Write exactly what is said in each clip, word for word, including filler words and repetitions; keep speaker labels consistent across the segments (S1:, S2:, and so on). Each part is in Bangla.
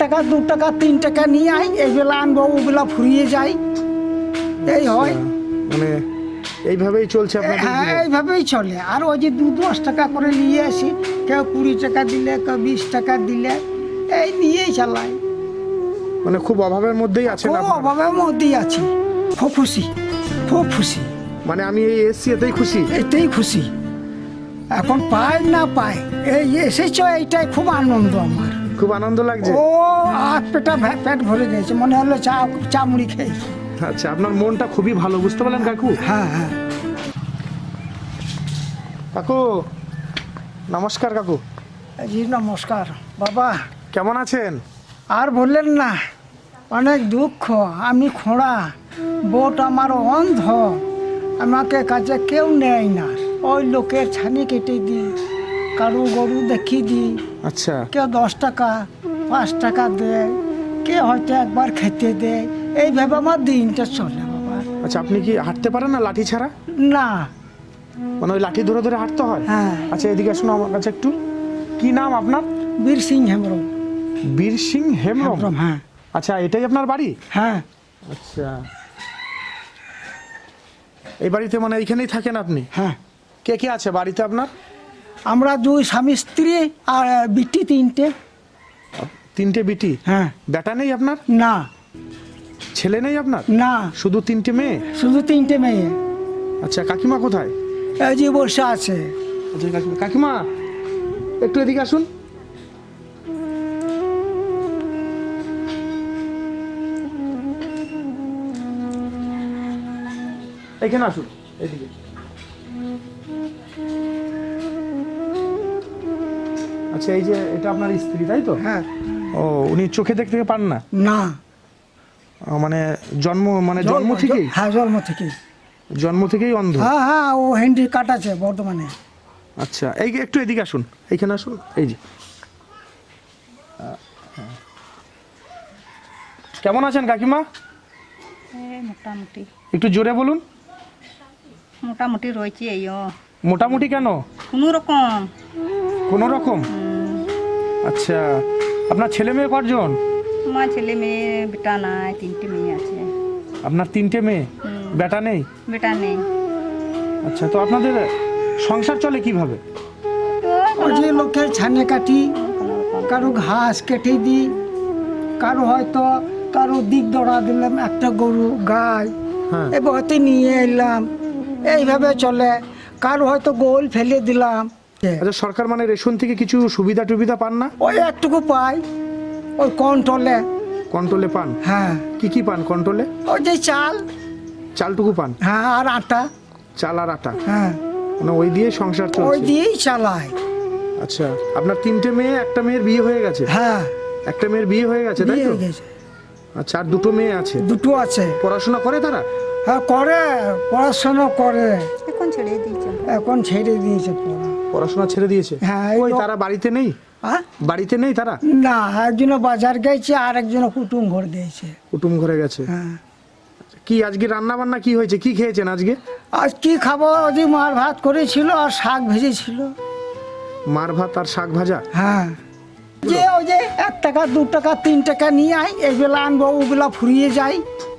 S1: টাকা দু টাকা তিন টাকা নিয়ে আই, এইগুলা আনবো ওগুলা ফুরিয়ে যাই, এই হয়।
S2: মানে এইভাবেই চলছে আপনাদের
S1: হ্যাঁ
S2: জীবন?
S1: এইভাবেই চলে। আর ওই যে দু দশ টাকা করে নিয়ে আসি, কেউ কুড়ি টাকা দিলে, কেউ বিশ টাকা দিলে, এই নিয়েই চালাই।
S2: মানে খুব অভাবের মধ্যেই আছেন
S1: খুব
S2: আপনারা?
S1: অভাবের মধ্যেই আছি, খুব খুশি, খুব খুশি,
S2: মানে আমি এই এসছি এতেই খুশি?
S1: এতেই খুশি। এখন পাই না পাই, এই এসেছ, এইটাই খুব আনন্দ আমার।
S2: খুব আনন্দ লাগছে?
S1: ও হাত পেটা ভে- পেট ভরে গেছে, মনে হলো চা চা মুড়ি খেয়েছি।
S2: আচ্ছা, আপনার মনটা খুবই ভালো, বুঝতে পারলেন কাকু?
S1: হ্যাঁ হ্যাঁ।
S2: কাকু নমস্কার। কাকু
S1: জি নমস্কার বাবা।
S2: কেমন আছেন?
S1: আর বললেন না, অনেক দুঃখ। আমি খোঁড়া, বোট আমার অন্ধ, আমাকে কাজে কেউ নেয় না। ওই লোকের ছানি কেটে দিই, কারু গরু দেখিয়ে দিই,
S2: আচ্ছা।
S1: কেউ দশ টাকা পাঁচ টাকা দেয়, কে হয়তো একবার খেতে দেয়, এইভাবে আমার দিনটা চলে বাবা।
S2: আচ্ছা, আপনি কি হাঁটতে পারেন না লাঠি ছাড়া?
S1: না।
S2: মানে ওই লাঠি ধরে ধরে হাঁটতে হয়?
S1: হ্যাঁ।
S2: আচ্ছা, এদিকে আসুন আমার কাছে একটু। কি নাম আপনার?
S1: বীর সিং হেমব্রম।
S2: বীর সিং হেমব্রম?
S1: হেমব্রম, হ্যাঁ।
S2: আচ্ছা, এটাই আপনার বাড়ি?
S1: হ্যাঁ।
S2: আচ্ছা, এই বাড়িতে মানে এইখানেই থাকেন আপনি?
S1: হ্যাঁ।
S2: কে কে আছে বাড়িতে আপনার?
S1: আমরা দুই স্বামী স্ত্রী আর বিটি তিনটে।
S2: তিনটে বিটি?
S1: হ্যাঁ।
S2: বেটা নেই আপনার?
S1: না।
S2: ছেলে নেই আপনার?
S1: না,
S2: শুধু তিনটে মেয়ে?
S1: শুধু তিনটে মেয়ে।
S2: আচ্ছা, কাকিমা কোথায়?
S1: এই যে বসে আছে।
S2: আচ্ছা, কাকিমা কাকিমা একটু এদিকে আসুন। এখানে আসুন, এদিকে। আচ্ছা, এই যে এটা আপনার স্ত্রী তাই তো?
S1: হ্যাঁ।
S2: ও, উনি চোখে দেখতে পান না?
S1: না।
S2: ও, মানে জন্ম মানে জন্ম থেকেই?
S1: হ্যাঁ, জন্ম থেকেই।
S2: জন্ম থেকেই অন্ধ?
S1: হ্যাঁ হ্যাঁ, ও হ্যান্ডি কাটাছে বর্তমানে।
S2: আচ্ছা, এই একটু এদিকে আসুন, এইখানে আসুন। এই যে, কেমন আছেন কাকিমা?
S3: এই মোটামুটি
S2: একটু জোরে বলুন।
S3: মোটামুটি রয়েছে এইও,
S2: মোটামুটি কেন?
S3: কোনো রকম।
S2: কোনো রকম? আচ্ছা, আপনার ছেলে মেয়ে কজন?
S3: আমার ছেলে মেয়ে বেটা নাই, তিনটে মেয়ে আছে।
S2: আপনার তিনটে মেয়ে?
S3: হুম।
S2: বেটা নেই?
S3: বেটা নেই।
S2: আচ্ছা, তো আপনাদের সংসার চলে কিভাবে?
S3: তো
S1: ওই যে লোকের ছানে কাটি,
S3: কোনো রকম।
S1: কারো ঘাস কেটে দিই, কারো হয়তো কারো দিক দড়া দিলাম একটা গরু গাই,
S2: হ্যাঁ।
S1: এবার হয়তো নিয়ে এলাম, এইভাবে চলে। কারো হয়তো গোল ফেলে দিলাম।
S2: আচ্ছা, সরকার মানে রেশন থেকে কিছু সুবিধা টুবিধা পান না?
S1: ওই একটুকু পাই, ওই কন্ট্রোলে।
S2: কন্ট্রোলে পান?
S1: হ্যাঁ।
S2: কি কি পান কন্ট্রোলে?
S1: ওই যে চাল,
S2: চালটুকু পান?
S1: হ্যাঁ, আর আটা।
S2: চাল আর আটা?
S1: হ্যাঁ,
S2: মানে ওই দিয়ে সংসার
S1: ওই
S2: চলছে?
S1: দিয়েই চালাই।
S2: আচ্ছা, আপনার তিনটে মেয়ে, একটা মেয়ের বিয়ে হয়ে গেছে?
S1: হ্যাঁ,
S2: একটা মেয়ের বিয়ে হয়ে গেছে তাই
S1: বিয়ে
S2: তো?
S1: হয়ে গেছে।
S2: আচ্ছা, আর দুটো মেয়ে আছে?
S1: দুটো আছে।
S2: পড়াশোনা করে তারা?
S1: হ্যাঁ করে, পড়াশোনা করে।
S3: এখন ছেড়ে দিয়েছে।
S1: এখন ছেড়ে দিয়েছে পড়া।
S2: পড়াশোনা ছেড়ে দিয়েছে?
S1: হ্যাঁ, এই
S2: ওই
S1: লোক-
S2: তারা বাড়িতে নেই?
S1: হ্যাঁ?
S2: বাড়িতে নেই তারা?
S1: না, একজন বাজার গেছে আর একজন কুটুম ঘর দিয়েছে।
S2: কুটুম ঘরে গেছে?
S1: হ্যাঁ।
S2: কি আজকে রান্না বান্না কি হয়েছে, কি খেয়েছেন আজকে?
S1: আজ কি খাবো, ওই মার ভাত করেছিল আর শাক ভেজেছিল।
S2: মার ভাত আর শাক ভাজা?
S1: হ্যাঁ। যে ওই যে এক টাকা দু টাকা তিন টাকা নিয়ে আই, এইগুলা আনবো ওগুলা ফুরিয়ে যাই,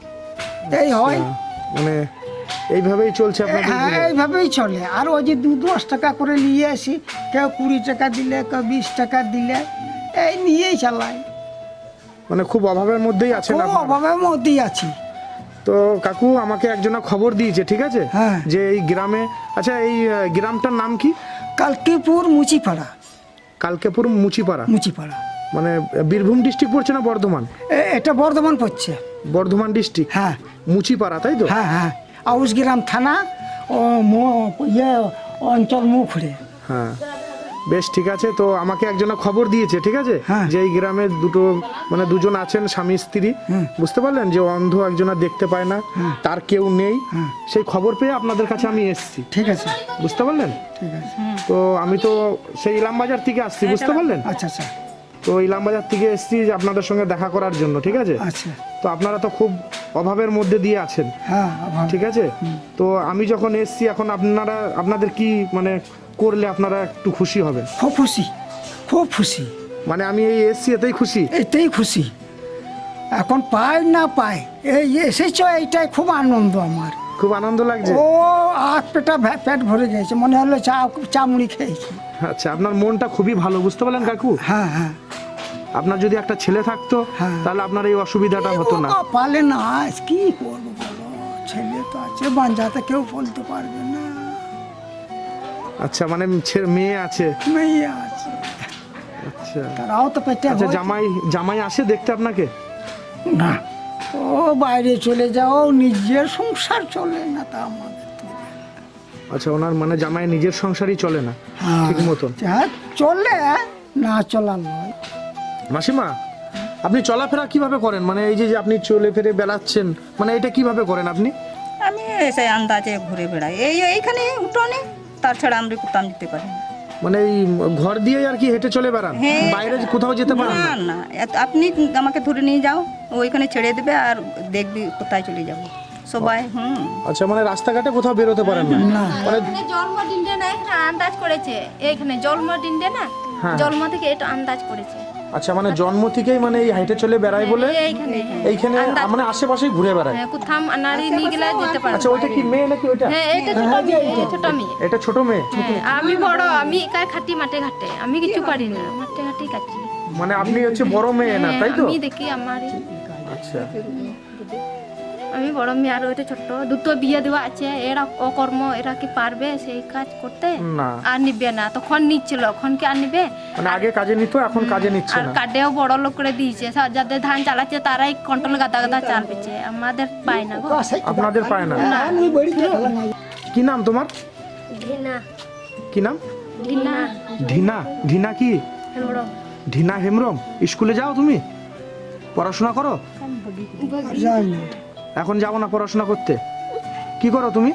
S1: এই হয়।
S2: মানে এইভাবেই চলছে আপনাদের
S1: হ্যাঁ
S2: জীবন?
S1: এইভাবেই চলে। আর ওই যে দু দশ টাকা করে নিয়ে আসি, কেউ কুড়ি টাকা দিলে, কেউ বিশ টাকা দিলে, এই নিয়েই চালাই।
S2: মানে খুব অভাবের মধ্যেই আছেন
S1: খুব
S2: আপনারা?
S1: অভাবের মধ্যেই আছি।
S2: তো কাকু আমাকে একজনা খবর দিয়েছে, ঠিক আছে?
S1: হ্যাঁ।
S2: যে এই গ্রামে, আচ্ছা এই আহ, গ্রামটার নাম কি?
S1: কালকিপুর মুচিপাড়া।
S2: কালকেপুর মুচিপাড়া?
S1: মুচিপাড়া
S2: মানে বীরভূম ডিস্ট্রিক্ট পড়ছে না বর্ধমান?
S1: এ- এটা বর্ধমান পড়ছে।
S2: বর্ধমান ডিস্ট্রিক্ট?
S1: হ্যাঁ
S2: মুচিপাড়া তাই তো?
S1: হ্যাঁ হ্যাঁ, আউসগ্রাম থানা, ও মো- ইয়ে অঞ্চল মুখড়ে।
S2: হ্যাঁ, বেশ ঠিক আছে। তো আমাকে একজনা খবর দিয়েছে, ঠিক আছে?
S1: হ্যাঁ।
S2: যে এই গ্রামে দুটো মানে দুজন আছেন স্বামী স্ত্রী,
S1: হুম।
S2: বুঝতে পারলেন? যে অন্ধ একজনা দেখতে পায় না,
S1: হ্যাঁ।
S2: তার কেউ নেই।
S1: হ্যাঁ।
S2: সেই খবর পেয়ে আপনাদের কাছে আমি এসেছি,
S1: ঠিক আছে,
S2: বুঝতে পারলেন?
S1: ঠিক আছে।
S2: তো আমি তো সেই ইলামবাজার থেকে আসছি, বুঝতে পারলেন?
S1: আচ্ছা আচ্ছা
S2: তো ইলামবাজার থেকে এসেছি যে আপনাদের সঙ্গে দেখা করার জন্য, ঠিক আছে?
S1: আচ্ছা।
S2: তো আপনারা তো খুব অভাবের মধ্যে দিয়ে আছেন,
S1: হ্যাঁ আবার।
S2: ঠিক আছে? তো আমি যখন এসেছি, এখন আপনারা আপনাদের কি মানে করলে আপনারা একটু খুশি হবেন?
S1: খুব খুশি, খুব খুশি।
S2: মানে আমি এই এসছি এতেই খুশি।
S1: এতেই খুশি। এখন পাই না পাই, এই এসেছ এইটাই খুব আনন্দ আমার।
S2: খুব আনন্দ লাগছে।
S1: ও আট পেটা ভে- পেট ভরে গেছে, মনে হলো চা চা মুড়ি খেয়েছি।
S2: আচ্ছা, আপনার মনটা খুবই ভালো, বুঝতে পারলেন কাকু?
S1: হ্যাঁ হ্যাঁ
S2: আপনার যদি একটা ছেলে থাকতো
S1: হ্যাঁ।
S2: তাহলে আপনার এই অসুবিধাটা হতো না।
S1: ও পালে না, আজ কি করবো বলো, ছেলে তো আছে বাঞ্জাতে, কেউ বলতে পারবে না।
S2: আচ্ছা, মানে ছে- মেয়ে আছে।
S1: মেয়ে আছে,
S2: আচ্ছা
S1: তারাও তো পেটে
S2: আচ্ছা,
S1: হয়েছে।
S2: জামাই জামাই আসে দেখতে আপনাকে?
S1: না, ও বাইরে চলে যাও, নিজের সংসার চলে না তা আমাদের তো।
S2: আচ্ছা, ওনার মানে জামাই নিজের সংসারই চলে না
S1: হ্যাঁ,
S2: ঠিক মতন।
S1: যা চলে, না চলার নয়।
S2: মাসিমা, আপনি চলাফেরা কিভাবে করেন? মানে এই যে যে আপনি চলে ফিরে বেড়াচ্ছেন, মানে এটা কিভাবে করেন আপনি?
S3: আমি এসে আন্দাজে ঘুরে বেড়াই, এই এইখানে উঠোনে, তাছাড়া আমরা কোথাও যেতে পারি না।
S2: মানে এই ঘর দিয়ে আর কি হেঁটে চলে বেড়ান,
S3: হ্যাঁ।
S2: বাইরে কোথাও যেতে পারেন
S3: না
S2: না?
S3: না, এত- আপনি আমাকে ধরে নিয়ে যাও, ওইখানে ছেড়ে দেবে আর দেখবি কোথায় চলে যাবো সবাই। হুম
S2: আচ্ছা, মানে রাস্তাঘাটে কোথাও বেরোতে পারেন না?
S1: না,
S2: মানে
S4: এখানে জন্মদিনটা না, এখানে আন্দাজ করেছে, এইখানে জন্মদিনটা না,
S2: হ্যাঁ।
S4: জন্ম থেকে এটা আন্দাজ করেছে।
S2: আচ্ছা, মানে জন্ম থেকেই মানে এই হেঁটে চলে বেড়ায় বলে
S4: এইখানে
S2: এইখানে মানে আশেপাশেই ঘুরে বেড়ায়।
S4: হ্যাঁ, কোথাও নারী নিয়ে গেলে যেতে পারে।
S2: আচ্ছা, ওইটা কি মেয়ে নাকি ওইটা?
S4: হ্যাঁ, এটা ছোট মেয়ে, এটা ছোট মেয়ে।
S2: এটা ছোট মেয়ে।
S4: হ্যাঁ, আমি বড়, আমি একাই খাটি মাঠে ঘাটে, আমি কিছু পারি না, মাঠে ঘাটি কাটি।
S2: মানে আপনি হচ্ছে বড় মেয়ে না, তাই তো?
S4: আমি দেখি আমার,
S2: আচ্ছা,
S4: আমি বড় মেয়ে আর ওইটা ছোট, দুটো বিয়ে দেওয়া আছে, এরা অকর্ম, এরা কি পারবে সেই কাজ করতে?
S2: না
S4: আর নিবে না, তখন নিচ্ছিল, এখন কি আর নিবে?
S2: মানে আগে কাজে নিত, এখন কাজে নিচ্ছে
S4: আর
S2: না।
S4: কার্ডেও বড় লোক করে দিয়েছে, সব যাদের ধান চালাচ্ছে তারাই কন্ট্রোল গাদা গাদা চাল পেছে, আমাদের পায় না গো।
S2: আপনাদের পায় না?
S1: আমি বাড়িতে খেলা নাই।
S2: কি নাম তোমার?
S4: ঢিনা
S2: কি নাম?
S4: ঢিনা
S2: ঢিনা। ঢিনা কি?
S4: হেমড়ম।
S2: ঢিনা হেমব্রম। স্কুলে যাও তুমি? পড়াশোনা করো?
S1: যাই না,
S2: এখন যাবো না পড়াশোনা করতে? কি করো তুমি?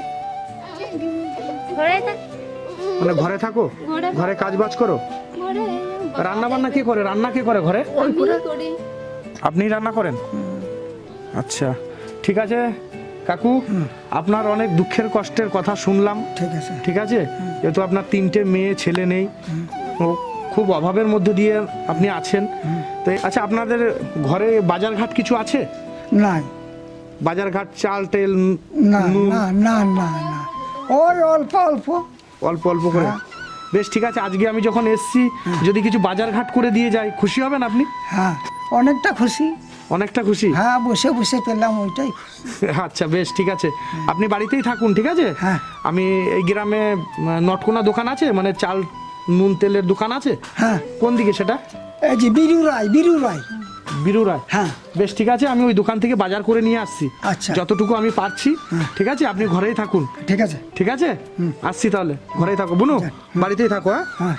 S4: ঘরে থাক,
S2: মানে ঘরে থাকো?
S4: ঘরে
S2: ঘরে কাজ বাজ করো?
S4: ঘরে
S2: রান্না বান্না কে করে? রান্না কে করে ঘরে?
S4: আমি করি।
S2: আপনি রান্না করেন? আচ্ছা, ঠিক আছে কাকু, আপনার অনেক দুঃখের কষ্টের কথা শুনলাম।
S1: ঠিক আছে।
S2: ঠিক আছে, যেহেতু আপনার তিনটে মেয়ে ছেলে নেই, ও খুব অভাবের মধ্যে দিয়ে আপনি আছেন, তো আচ্ছা, আপনাদের ঘরে বাজারঘাট কিছু আছে?
S1: নাই,
S2: বাজারঘাট, চাল তেল,
S1: না
S2: নুন?
S1: না না না না, ওই অল্প অল্প।
S2: অল্প অল্প করে? বেশ, ঠিক আছে, আজকে আমি যখন এসছি যদি কিছু বাজারঘাট করে দিয়ে যাই, খুশি হবেন আপনি?
S1: হ্যাঁ, অনেকটা খুশি।
S2: অনেকটা খুশি?
S1: হ্যাঁ, বসে বসে পেলাম, ওইটাই খুশি।
S2: আচ্ছা বেশ, ঠিক আছে, আপনি বাড়িতেই থাকুন, ঠিক আছে?
S1: হ্যাঁ।
S2: আমি এই গ্রামে উম, নটকোনা দোকান আছে, মানে চাল নুন তেলের দোকান আছে।
S1: হ্যাঁ,
S2: কোন দিকে সেটা?
S1: এই যে বিরু রায়, বিরু রায়।
S2: বিরুরা?
S1: হ্যাঁ।
S2: বেশ, ঠিক আছে, আমি ওই দোকান থেকে বাজার করে নিয়ে আসছি।
S1: আচ্ছা।
S2: যতটুকু আমি পারছি। ঠিক আছে, আপনি ঘরেই থাকুন।
S1: ঠিক আছে।
S2: ঠিক আছে, আসছি তাহলে, ঘরেই থাকো। বুনু, বাড়িতেই থাকো। হ্যাঁ।
S1: হ্যাঁ,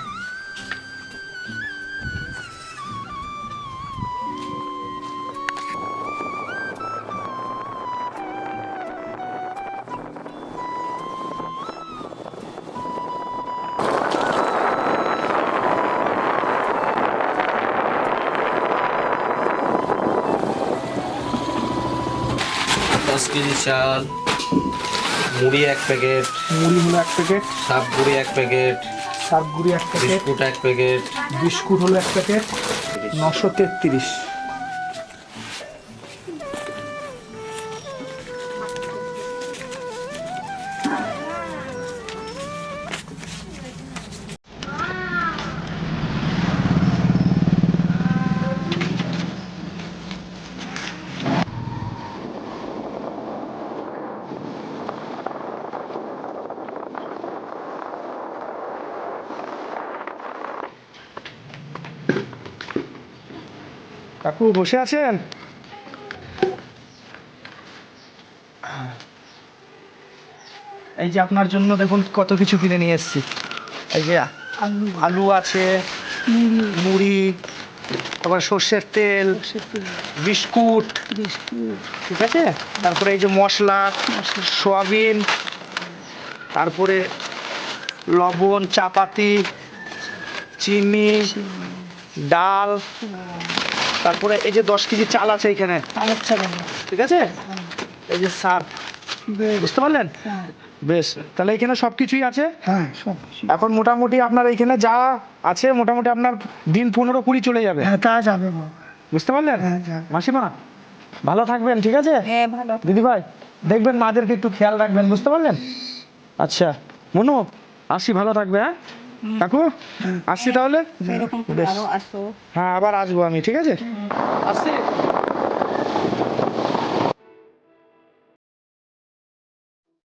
S5: দশ কেজি চাল, মুড়ি এক প্যাকেট,
S2: মুড়ি হলো এক প্যাকেট,
S5: সাপ গুঁড়ি এক প্যাকেট,
S2: সাতগুড়ি এক প্যাকেট,
S5: বিস্কুট এক প্যাকেট,
S2: বিস্কুট হলো এক প্যাকেট, নশো তেত্রিশ। কাকু বসে আছেন? এই যে আপনার জন্য দেখুন কত কিছু কিনে নিয়ে এসেছি। এই যে আলু আলু আছে, মুড়ি, তারপর সর্ষের তেল, বিস্কুট, ঠিক আছে, তারপরে এই যে মশলা, সয়াবিন, তারপরে লবণ, চাপাতি, চিনি, ডাল, তারপরে এই যে দশ কেজি চাল আছে এইখানে, ঠিক আছে, এই যে সার, বুঝতে পারলেন? বেশ, তাহলে এখানে সব কিছুই আছে।
S1: হ্যাঁ সব কিছু।
S2: এখন মোটামুটি আপনার এখানে যা আছে মোটামুটি আপনার দিন পনেরো কুড়ি চলে যাবে,
S1: হ্যাঁ তা যাবে বাবা।
S2: বুঝতে পারলেন?
S1: হ্যাঁ যাবে।
S2: মাসিমা ভালো থাকবেন, ঠিক আছে?
S3: হ্যাঁ ভালো।
S2: দিদি ভাই দেখবেন মাদেরকে একটু খেয়াল রাখবেন, বুঝতে পারলেন? আচ্ছা মনু আসি, ভালো থাকবে। হ্যাঁ কাকু আসছি তাহলে।
S3: এরকম
S2: বেশ।
S3: আরো আসো।
S2: হ্যাঁ আবার আসবো আমি, ঠিক আছে? আসছি।